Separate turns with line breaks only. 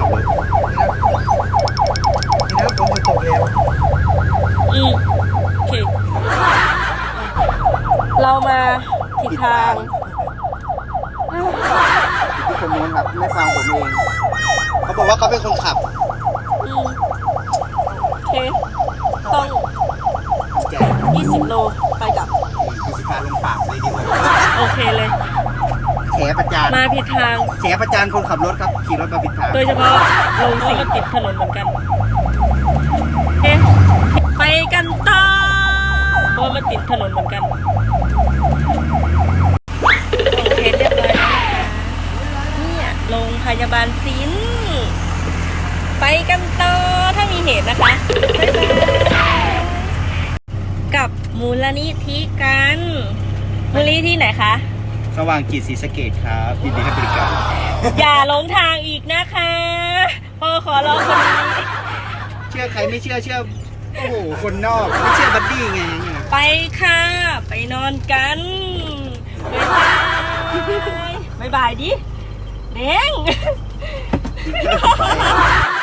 ขับรถนี่นะผมจะตกแล้ว
โอเค เรามาผิดทาง
ที่คนนู้นครับไม่ฟังผมเองเขาบอกว่าเขาเป็นคนขับ
โอเค ต้อง
แจก
20 โลไปกลับ
คือสิพาลงปากเลยดีกว่า
โอเคเลย
แฉประจาน
มาผิดทาง
แฉประจานคนขับรถครับขี่รถมาผิดทาง
โดยเฉพาะลงสีติดถนนเหมือนกันโอเคไปกันต่อเพราะว่ามันติดถนนเหมือนกันส่งเคสเรียบร้อยแล้วนะคะเนี่ยโรงพยาบาลพริ้นไปกันต่อถ้ามีเหตุนะคะบ๊ายบายกับมูลนิธิกันมูลนิธิไหนคะ
สว่างจิตศรีสะเกษครับยินดีให้บริการ
อย่าหลงทางอีกนะคะพ่อขอร้องคนนี้
เชื่อใครไม่เชื่อโอ้โหคนนอกไม่เชื่อบัดดี้ไงเนี่ย
ไปค่ะ ไปนอนกันบ๊ายบายดิเด้ง